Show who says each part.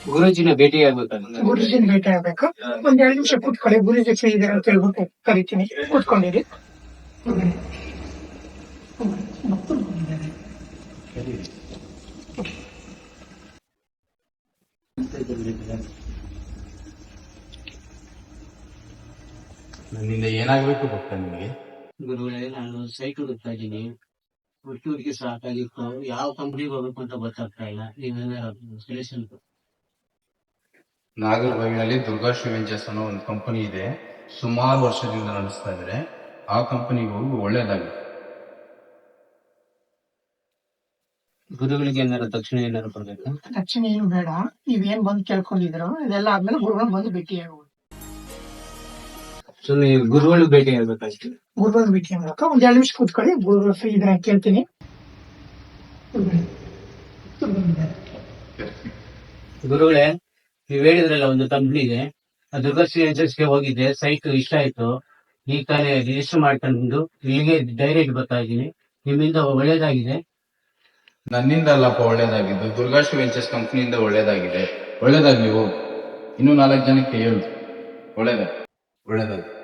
Speaker 1: ಗುರೂಜಿನ ಭೇಟಿ ಆಗ್ಬೇಕಂತ.
Speaker 2: ಗುರುಜಿನ ಭೇಟಿ ಆಗ್ಬೇಕು. ಒಂದ್ 2 ನಿಮಿಷ ಕೂತ್ಕೊಳ್ಳಿ. ಗುರುಜಿ ಫ್ರೀ ಇದಾರೆ ಅಂತ ಹೇಳ್ಬಿಟ್ಟು ಕರಿತೀನಿ. ಕೂತ್ಕೊಂಡಿರಿ.
Speaker 3: ನನ್ನಿಂದ ಏನಾಗಬೇಕು ಗೊತ್ತಾ ನಿಮಗೆ?
Speaker 1: ಗುರುಗಳೇ, ನಾನು ಸೈಟ್ ಹುಡುಕ್ತಾ ಇದ್ದೀನಿ. ಹುಡುಗಿ ಸಾಕಾಗಿತ್ತು. ಯಾವ ಕಂಪ್ನಿಗೆ ಹೋಗ್ಬೇಕು ಅಂತ ಗೊತ್ತಾಗ್ತಾ ಇಲ್ಲ. ನೀವೇನಾದ್ರು ಸಜೆಷನ್?
Speaker 3: ನಾಗರಬಾವಿನಲ್ಲಿ ದುರ್ಗಾಶ್ರೀ ವೆಂಚರ್ಸ್ ಅನ್ನೋ ಒಂದು ಕಂಪನಿ ಇದೆ. ಸುಮಾರು ವರ್ಷದಿಂದ ನಡೆಸ್ತಾ ಇದ್ದಾರೆ. ಆ ಕಂಪನಿಗೆ ಹೋಗಿ ಒಳ್ಳೇದಾಗಿ.
Speaker 1: ಗುರುಗಳಿಗೆ ಏನಾರು ತಕ್ಷಣ ಏನಾರು ಕೊಡ್ಬೇಕು?
Speaker 2: ತಕ್ಷಣ ಏನು ಬೇಡ. ನೀವೇನ್ ಬಂದು ಕೇಳ್ಕೊಂಡಿದ್ರು ಇದೆಲ್ಲ ಆದ್ಮೇಲೆ ಗುರುಗಳು ಬಂದು ಭೇಟಿ ಆಗ್ಬೋದು.
Speaker 1: ಸೊ ನೀವು ಗುರುಗಳು ಭೇಟಿ ಆಗ್ಬೇಕಷ್ಟೇ.
Speaker 2: ಗುರುಗಳು ಭೇಟಿ ಆಗ್ಬೇಕು. ಒಂದ್ 2 ನಿಮಿಷ ಕೂತ್ಕೊಳ್ಳಿ. ಗುರುಗಳು ಫ್ರೀ ಇದ್ರೆ ಕೇಳ್ತೀನಿ.
Speaker 1: ಗುರುಗಳೇ, ನೀವ್ ಹೇಳಿದ್ರಲ್ಲ ಒಂದು ಕಂಪ್ನಿಗೆ, ದುರ್ಗಾಶ್ರೀ ಏಜೆನ್ಸಿಗೆ ಹೋಗಿದ್ದೆ. ಸೈಟ್ ಇಷ್ಟ ಆಯ್ತು. ಈ ತಾನೇ ರಿಜಿಸ್ಟರ್ ಮಾಡ್ಕೊಂಡು ಇಲ್ಲಿಗೆ ಡೈರೆಕ್ಟ್ ಬರ್ತಾ ಇದ್ದೀನಿ. ನಿಮ್ಮಿಂದ ಒಳ್ಳೇದಾಗಿದೆ.
Speaker 3: ನನ್ನಿಂದ ಅಲ್ಲಪ್ಪ ಒಳ್ಳೇದಾಗಿದ್ದು, ದುರ್ಗಾಶ್ರೀ ವೆಂಚರ್ಸ್ ಕಂಪನಿಯಿಂದ ಒಳ್ಳೇದಾಗಿದೆ. ಒಳ್ಳೇದಾಗಿ ನೀವು ಇನ್ನೂ 4 ಜನಕ್ಕೆ ಹೇಳು. ಒಳ್ಳೇದಾಗಿ.